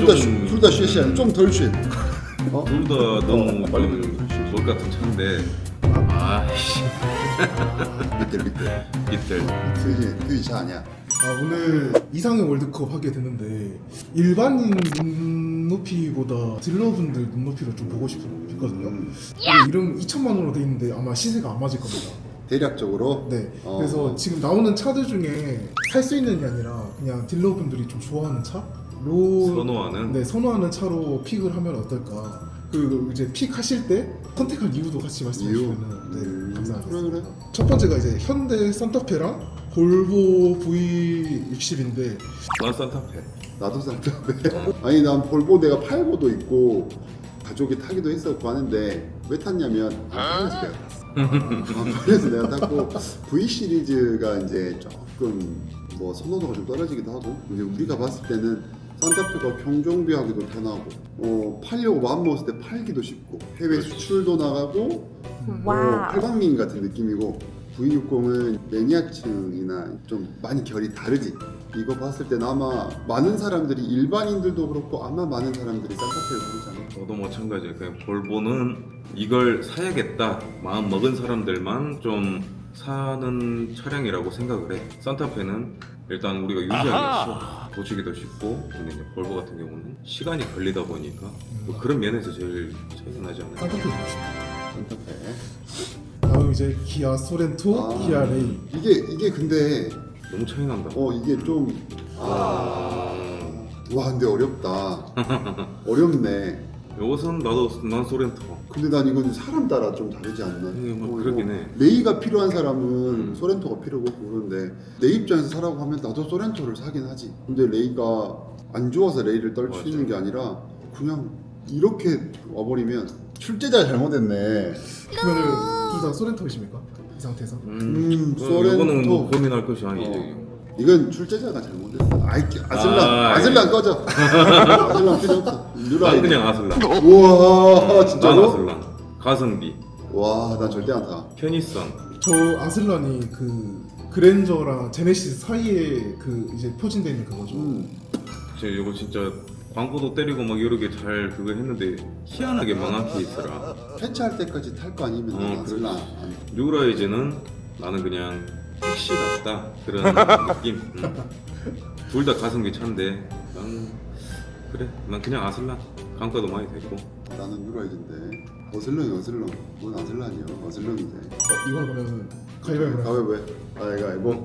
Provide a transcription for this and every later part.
둘다 쉐시야. 좀 덜 쉐. 둘 다 너무 빨리 뭘 같은 차인데 아씨 밑들. 이틀 그게 차 아니야. 오늘 이상형 월드컵 하게 되는데 일반인 눈높이보다 딜러분들 눈높이를 좀 보고 싶거든요. 이름 2천만 원으로 돼 있는데 아마 시세가 안 맞을 겁니다. 대략적으로. 네. 그래서 지금 나오는 차들 중에 살 수 있는 게 아니라 그냥 딜러분들이 좀 좋아하는 차? 선호하는 네, 선호하는 차로 픽을 하면 어떨까? 그리고 이제 픽 하실 때 선택한 이유도 같이 말씀해 이유? 주시면 네, 감사하겠습니다. 그래. 첫 번째가 이제 현대 산타페랑 볼보 V60인데 난 산타페. 나도 산타페. 아니 난 볼보 내가 팔고도 있고 가족이 타기도 했었고 하는데 왜 탔냐면 안 팔려서 내가 탔어. 안 팔려서 내가 탔고 V 시리즈가 이제 조금 뭐 선호도가 좀 떨어지기도 하고 이제 우리가 봤을 때는 산타페가 경정비하기도 편하고 팔려고 마음먹었을 때 팔기도 쉽고 해외 수출도 나가고 팔방미인 같은 느낌이고 V60은 매니아층이나 좀 많이 결이 다르지. 이거 봤을 때는 아마 많은 사람들이 일반인들도 그렇고 아마 많은 사람들이 산타페를 부르잖아. 저도 마찬가지예요. 그냥 볼보는 이걸 사야겠다 마음 먹은 사람들만 좀 사는 차량이라고 생각을 해. 산타페는 일단 우리가 유지하기가 쉬워. 고치기도 쉽고, 근데 이제 볼보 같은 경우는 시간이 걸리다 보니까 뭐 그런 면에서 제일 차이가 나지 않나요? 산타페 좋습니다. 산타페. 다음 이제 기아 소렌토, 기아 레이. 이게 근데 너무 차이 난다. 이게 좀 와 근데 어렵다. 어렵네. 이것은 난 소렌토. 근데 난 이건 사람 따라 좀 다르지 않나? 뭐 그러긴 해. 레이가 필요한 사람은 소렌토가 필요고 그런데 내 입장에서 사라고 하면 나도 소렌토를 사긴 하지. 근데 레이가 안 좋아서 레이를 떨치는 게 아니라 그냥 이렇게 와버리면 출제자가 잘못했네. 그러면은 둘 다 소렌토이십니까? 이 상태에서? 소렌토. 이거는 뭐 고민할 것이 아니지. 이건 출제자가 잘못했어. 아슬란 꺼져. 아슬란 필요 없어. 난 그냥 아슬란. 우와 난 진짜로? 아슬란. 가성비, 와 난 절대 안 타. 편의성. 저 아슬란이 그 그랜저랑 제네시스 사이에 그 이제 포진돼 있는 그거죠. 제가 이거 진짜 광고도 때리고 막 여러 개 잘 그거 했는데 희한하게 망한 케이스라. 폐차할 때까지 탈 거 아니면 난 아슬란 안 타. 뉴라이즈는 나는 그냥 택시 같다 그런 느낌. 둘 다 가성비 차인데 난 그냥 아슬란. 강가도 많이 되고. 나는 뉴라이즈인데 어슬렁. 뭔 아슬란이야? 어슬렁이지. 이걸 그러면 가위바위보. 가위바위보.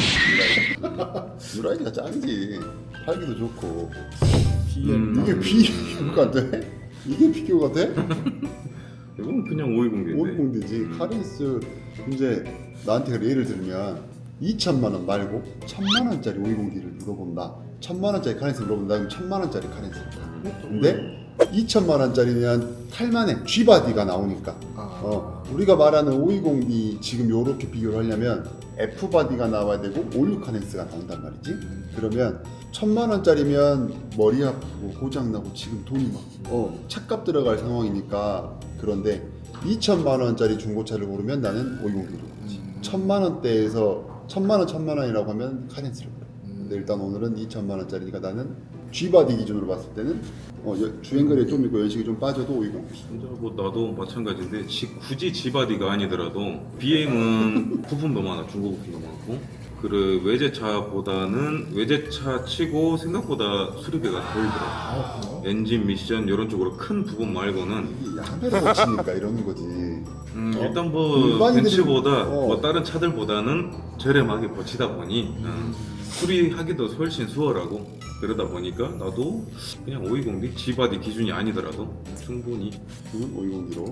뉴라이즈가 짱이지. 팔기도 좋고. BM 이게 비교가 돼? 이게 비교가 돼? 이건 그냥 520인데. 520D지. 카렌스 이제 나한테 예를 들면 2천만 원 말고 1,000만 원짜리 520D를 물어본다. 1,000만 원짜리 카렌스 물어본다. 그럼 1,000만 원짜리 카렌스. 근데 2천만 원짜리면 탈만해. G바디가 나오니까. 우리가 말하는 520D 지금 요렇게 비교를 하려면 F바디가 나와야 되고 올류 카렌스가 나온단 말이지. 그러면 1,000만 원짜리면 머리 아프고 고장나고 지금 돈이 막 차값 들어갈 상황이니까. 그런데 2천만 원짜리 중고차를 고르면 나는 520D를 고르지. 1,000만 원대에서 1,000만 원이라고 하면 카렌스를 고르. 근데 일단 오늘은 2천만 원짜리니까 나는 G바디 기준으로 봤을 때는 주행거리에 좀 있고 연식이 좀 빠져도 520D. 진짜 뭐 나도 마찬가지인데 굳이 G바디가 아니더라도 BM은 부품도 많아. 중고 부품도 많고. 그 외제차보다는 외제차 치고 생각보다 수리비가 덜 들어. 그래요? 엔진 미션 이런 쪽으로 큰 부분 말고는 이게 야매를 고치니까 이러는 거지. 일단 뭐 일반인들이- 벤츠보다 뭐 다른 차들보다는 저렴하게 고치다 보니 수리하기도 훨씬 수월하고 그러다 보니까 나도 그냥 520D G바디 기준이 아니더라도 충분히 520D로.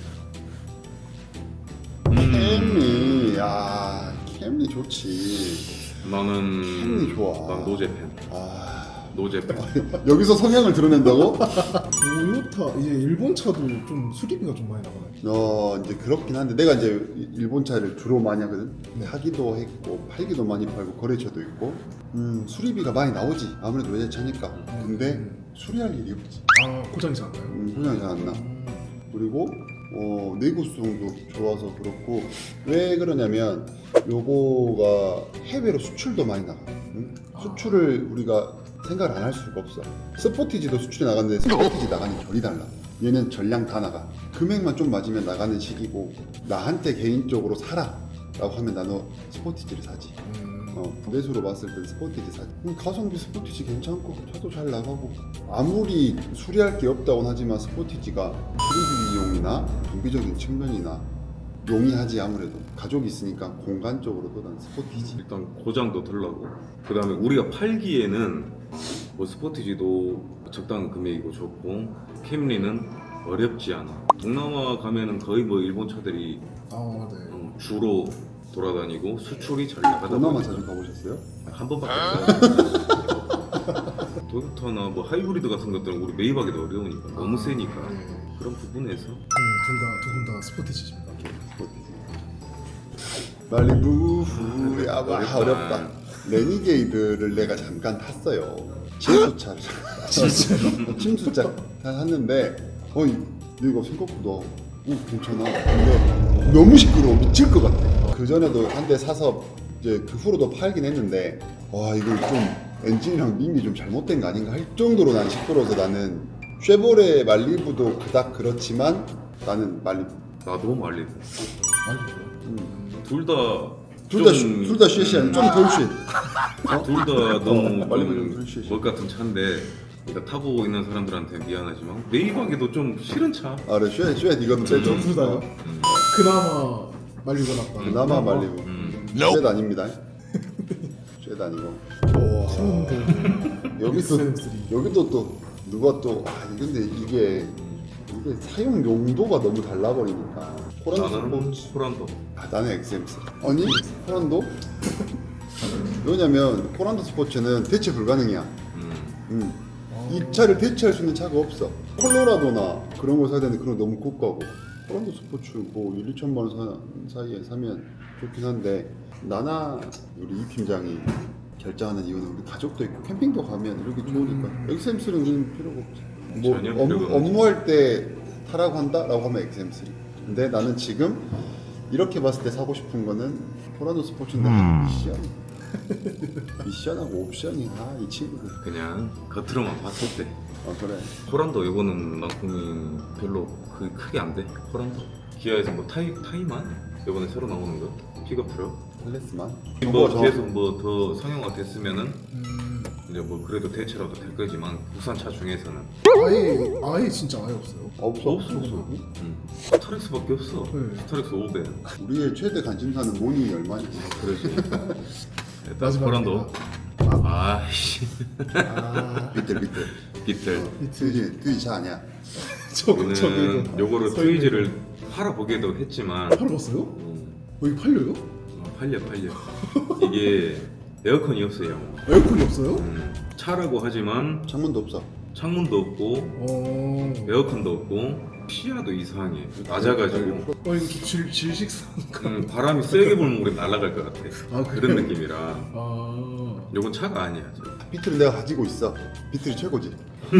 캠리, 야 캠리 좋지. 나는 캠리 좋아. 난 노제팬. 노제팬. 여기서 성향을 드러낸다고? 토요타 이제 일본 차도 좀 수리비가 좀 많이 나가요. 이제 그렇긴 한데 내가 이제 일본 차를 주로 많이 하거든. 네. 사기도 했고 팔기도 많이 팔고 거래처도 있고. 수리비가 많이 나오지. 아무래도 외제차니까. 근데 수리할 일이 없지. 고장이 잘 안 나요? 고장이 잘 안 나. 그리고 내구성도 좋아서 그렇고. 왜 그러냐면 요거가 해외로 수출도 많이 나가. 수출을 우리가 생각을 안 할 수가 없어. 스포티지도 수출이 나갔는데 스포티지 나가는 결이 달라. 얘는 전량 다 나가. 금액만 좀 맞으면 나가는 시기고 나한테 개인적으로 사라 라고 하면 나는 스포티지를 사지. 매수로 봤을 땐 스포티지 사지. 가성비 스포티지 괜찮고 차도 잘 나가고 아무리 수리할 게 없다고는 하지만 스포티지가 수리비용이나 정비적인 측면이나 용이하지. 아무래도 가족이 있으니까 공간적으로도 난 스포티지. 일단 고장도 덜 나고 그 다음에 우리가 팔기에는 뭐 스포티지도 적당한 금액이고 좋고 캠리는 어렵지 않아. 동남아 가면은 거의 뭐 일본 차들이 아, 네. 주로 돌아다니고 수출이 잘 나가다 동남아 보니까 자주 가보셨어요? 한 번밖에 없어요. 도요타나 뭐 하이브리드 같은 것들은 우리 매입하기도 어려우니까 너무 세니까 네. 그런 부분에서 두 분 다 스포티지입니다. 말리부 야 어렵다. 어렵다. 레니게이드를 내가 잠깐 탔어요. 침수차를 침수차 탔는데 이거 생각보다 괜찮아. 근데 너무 시끄러워 미칠 것 같아. 그 전에도 한 대 사서 이제 그 후로도 팔긴 했는데 와 이거 좀 엔진이랑 밈이 좀 잘못된 거 아닌가 할 정도로 난 시끄러워서 나는 쉐보레 말리부도 그닥 그렇지만 나는 말리부. 나도 말리고 말리부요? 둘 다 쉐시한 좀덜 쉐. 둘 다 너무 말리부는 덜 좀 쉐시. 멋 같은 차인데 그러니까 타고 있는 사람들한테 미안하지만 매입하기도 좀 싫은 차. 아 그래 쉐 이건 세죠. 둘 다요? 그나마 말리고 났다. 그나마 말리부. 쉐 아닙니다. 쉐 아니고. 여기도 또 누가 또 근데 이게 사용 용도가 너무 달라버리니까. 나는 포란도. 나는 XM3. 아니 포란도? 왜냐면 포란도 스포츠는 대체 불가능이야. 이 차를 대체할 수 있는 차가 없어. 콜로라도나 그런 거 사야 되는데 그런 거 너무 고가고. 포란도 스포츠 뭐 1, 2천만 원 사이에 사면 좋긴 한데 나나 우리 이 팀장이 결정하는 이유는 우리 가족도 있고 캠핑도 가면 이렇게 좋으니까 XM3는 필요가 없지. 뭐 전혀 필요가 없지. 업무할 때 타라고 한다라고 하면 XM3. 근데 나는 지금 이렇게 봤을 때 사고 싶은 거는 포란도 스포츠인데 미션하고 옵션이 이 친구들. 그냥 겉으로만 봤을 때 그래. 포란도 이거는 낭품이 별로 크게 안 돼. 포란도 기아에서 뭐 타이만 이번에 새로 나오는 거 픽업 트럭 클래스만. 뭐 계속 뭐 더 상용화 됐으면은 이제 뭐 그래도 대체라도 될 거지만 국산 차 중에서는 아예 진짜 아예 없어요. 없어. 스타렉스밖에 없어. 네. 스타렉스 500. 우리의 최대 관심사는 모닝이 얼마냐. 그러지. 일단 마지막입니다. 포란도. 아씨. 비틀. 히트. 트위 차 아니야. 우리는 요거를 트위즈를 팔아보기도 했지만 팔아봤어요? 여기 팔려요? 팔려. 이게 에어컨이 없어요. 에어컨이 없어요? 차라고 하지만 창문도 없어. 창문도 없고 에어컨도 없고 시야도 이상해. 낮아가지고 이거 좀 질식사인가? 바람이 세게 불면 우리 날아갈 것 같아. 아, 그런 그래요? 느낌이라. 요건 차가 아니야. 비틀은 내가 가지고 있어. 비틀이 최고지.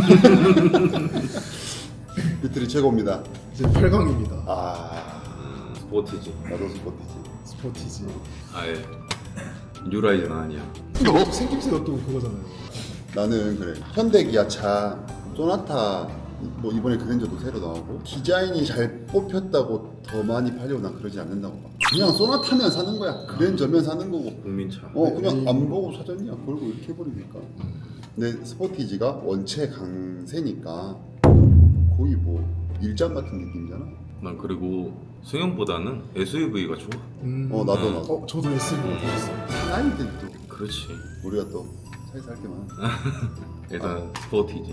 비틀이 최고입니다. 이제 8강입니다. 스포티지. 나도 스포티지. 스포티지. 아예 뉴라이저는 아니야. 또 생김새가 또 그거잖아요. 나는 그래. 현대 기아차 소나타 뭐 이번에 그랜저도 새로 나오고 디자인이 잘 뽑혔다고 더 많이 팔려고 난 그러지 않는다고 봐. 그냥 소나타면 사는 거야. 그랜저면 사는 거고. 국민차. 그냥 안 보고 사줬냐 걸고 이렇게 해버리니까. 근데 스포티지가 원체 강세니까 거의 뭐 일장 같은 느낌이잖아. 난 그리고 승용보다는 SUV가 좋아. 나도. 저도 SUV 타봤어요. 사나이들도 그렇지. 우리가 또 차에서 할 게 많아. 일단 스포티지.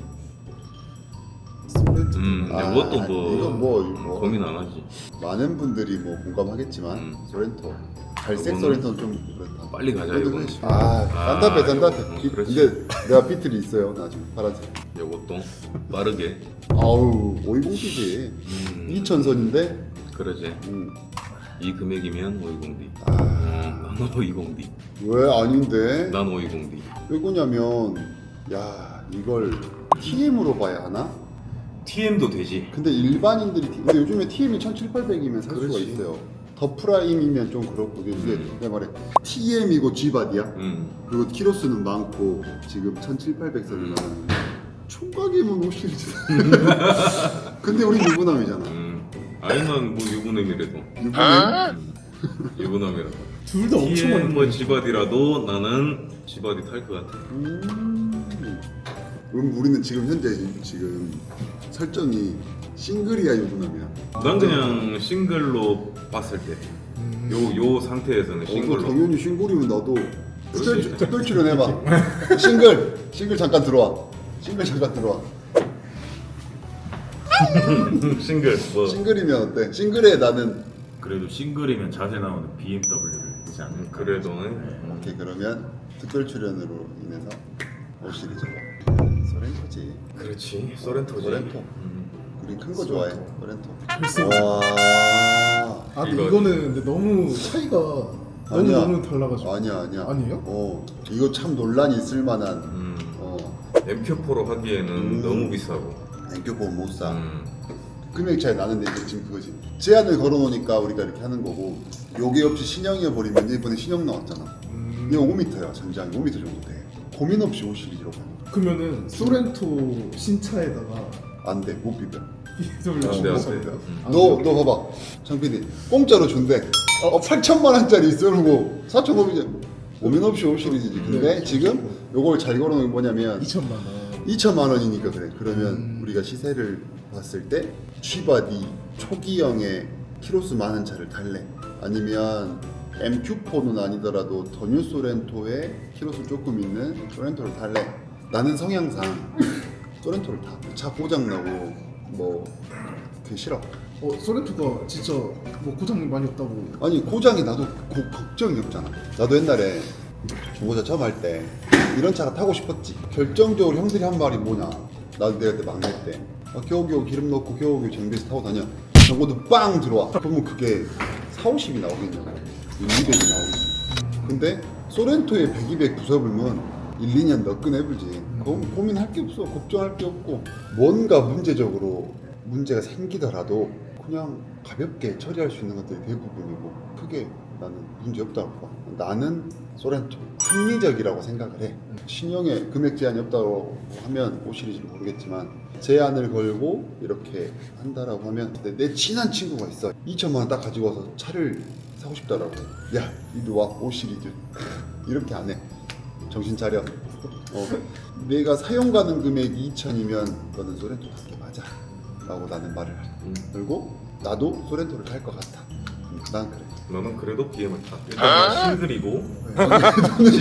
소렌토. 이것도 이건 뭐 고민 안 하지. 많은 분들이 뭐 공감하겠지만 소렌토 갈색 이거는 소렌토는 좀 그렇다. 빨리 가자 이거는. 산타페. 그렇지. 근데 내가 비틀이 있어요. 나 지금 파란색. 요것도 빠르게. 아우 520이지. 2000선인데. 그러지. 이 금액이면 520D. 난 520D. 왜 아닌데? 난 520D. 왜 그러냐면 이걸 TM으로 봐야 하나? TM도 되지. 근데 일반인들이 근데 요즘에 TM이 1700, 800이면 살 수가 그렇지. 있어요. 더 프라임이면 좀 그렇고 이게 내가 말해 TM이고 G바디야. 그리고 키로수는 많고 지금 1700, 800선이 총각이면 5시리즈. 근데 우리 유부남이잖아. 아니면 뭐 유부남이라도. 유부남이라도. 둘 다 엄청 많이 뭐 G바디라도 나는 G바디 탈 것 같아. 그럼 우리는 지금 현재 지금 설정이 싱글이야 유부남이야. 난 그냥 싱글로 봤을 때. 요 상태에서는 싱글로. 당연히 싱글이면 나도 그렇지. 특별 출연해봐. 싱글 잠깐 들어와. 싱글 잠깐 들어와. 싱글 뭐. 싱글이면 어때? 싱글에 나는 그래도 싱글이면 자세 나오는 BMW를 되지 않을까. 그래도 오케이 그러면 특별 출연으로 인해서 5시리즈로 소렌토지. 그렇지. 소렌토지. 소렌토. 우리 큰 거 좋아해. 소렌토. 벌써. 와. 아 근데 이거- 이거는 근데 너무 차이가 아니야. 너무 달라가지고. 아니야. 아니에요? 이거 참 논란이 있을 만한. MQ4로 하기에는 너무 비싸고. 앵교보 못 사. 음. 금액 차이 나는데 이제 지금 그거지. 제한을 걸어놓으니까 우리가 이렇게 하는 거고. 요게 없이 신형이어 버리면 이번에 신형 나왔잖아. 이거 5m야 전장이 5m 정도 돼. 고민 없이 5시리즈로 가는 거야. 그러면은 소렌토 신차에다가 안 돼, 못 비벼. BMW 안 돼, 안 돼. 너 봐봐. 장PD 공짜로 준대. 8천만 원짜리 있어놓고 4,500원. 고민 없이 5시리즈지. 근데 지금 요걸 잘 걸어놓은 게 뭐냐면 2천만 원. 2천만 원이니까 그래. 그러면 우리가 시세를 봤을 때 G바디 초기형의 키로수 많은 차를 탈래? 아니면 MQ4는 아니더라도 더 뉴 소렌토에 키로수 조금 있는 소렌토를 탈래? 나는 성향상 소렌토를 타. 차 고장 나고 뭐 그게 싫어. 소렌토가 진짜 뭐 고장 많이 없다고. 아니 고장이 나도 걱정이 없잖아. 나도 옛날에 중고차 처음 할 때 이런 차가 타고 싶었지. 결정적으로 형들이 한 말이 뭐냐. 나도 내가 그때 막내 때 겨우겨우 기름 넣고 겨우겨우 정비해서 타고 다녀. 정보도 빵 들어와. 그러면 그게 450이 나오겠냐고. 200이 나오겠지. 근데 소렌토에 100, 200 부숴불면 1, 2년 너끈해불지. 고민할 게 없어. 걱정할 게 없고 뭔가 문제적으로 문제가 생기더라도 그냥 가볍게 처리할 수 있는 것들이 대부분이고 크게 나는 문제 없다고 봐. 나는 소렌토 합리적이라고 생각을 해. 신형에 금액 제한이 없다고 하면 5시리즈를 모르겠지만 제한을 걸고 이렇게 한다라고 하면 근데 내 친한 친구가 있어. 2천만 원 딱 가지고 와서 차를 사고 싶다라고 해. 야 이리 와 5시리즈 이렇게 안 해. 정신 차려. 내가 사용 가능 금액이 2천이면 너는 소렌토 타는 게 맞아 라고 나는 말을 해. 그리고 나도 소렌토를 탈 것 같아. 난 그래. 너는 그래도 BM을 타. 일단 싱글이고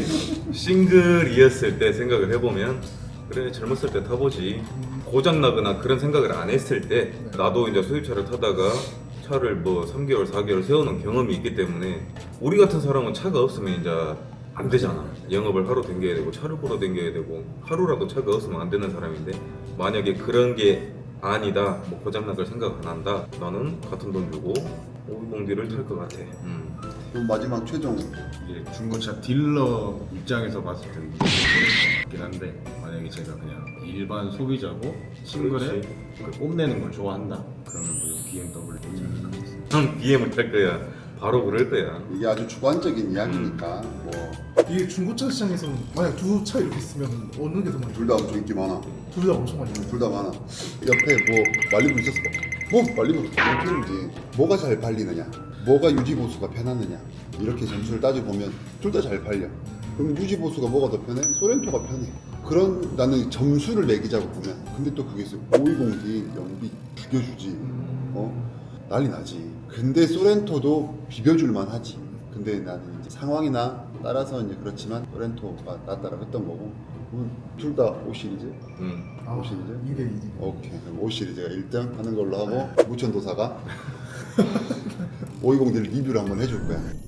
싱글이었을 때 생각을 해보면 그래 젊었을 때 타보지. 고장 나거나 그런 생각을 안 했을 때 나도 이제 수입차를 타다가 차를 뭐 3개월, 4개월 세우는 경험이 있기 때문에 우리 같은 사람은 차가 없으면 이제 안 되잖아. 영업을 하루 댕겨야 되고 차를 보러 댕겨야 되고 하루라도 차가 없으면 안 되는 사람인데 만약에 그런 게 아니다, 뭐 고장날 생각 안 한다. 나는 같은 돈 주고 520D를 탈 것 같아. 그럼 마지막 최종 이제 중고차 딜러 입장에서 봤을 때는 있긴 한데 만약에 제가 그냥 일반 소비자고 싱글에 그 뽐내는 걸 좋아한다 그러면 뭐 BMW 난 BM을 탈 거야. 바로 그럴 거야. 이게 아주 주관적인 이야기니까 뭐 이게 중고차 시장에서는 만약 두 차 이렇게 있으면 어느 게 더 많이? 둘 다 엄청 인기 많아. 둘 다 엄청 많이. 둘 다 많아. 옆에 뭐 말리부 있었어. 뭐 말리부 필름이지. 뭐가 잘 팔리느냐, 뭐가 유지 보수가 편하느냐 이렇게 점수를 따져 보면 둘 다 잘 팔려. 그럼 유지 보수가 뭐가 더 편해? 소렌토가 편해. 그런 나는 점수를 매기자고 보면 근데 또 그게 있어. 520D 연비 비벼주지. 난리 나지. 근데 소렌토도 비벼줄만 하지. 근데 나는 이제 상황이나 따라서 이제 그렇지만 소렌토가 낫다라고 했던 거고 둘 다 5시리즈? 5시리즈? 2대2. 오케이 그럼 5시리즈가 1등 하는 걸로 하고 무천도사가 520D를 리뷰를 한번 해줄 거야.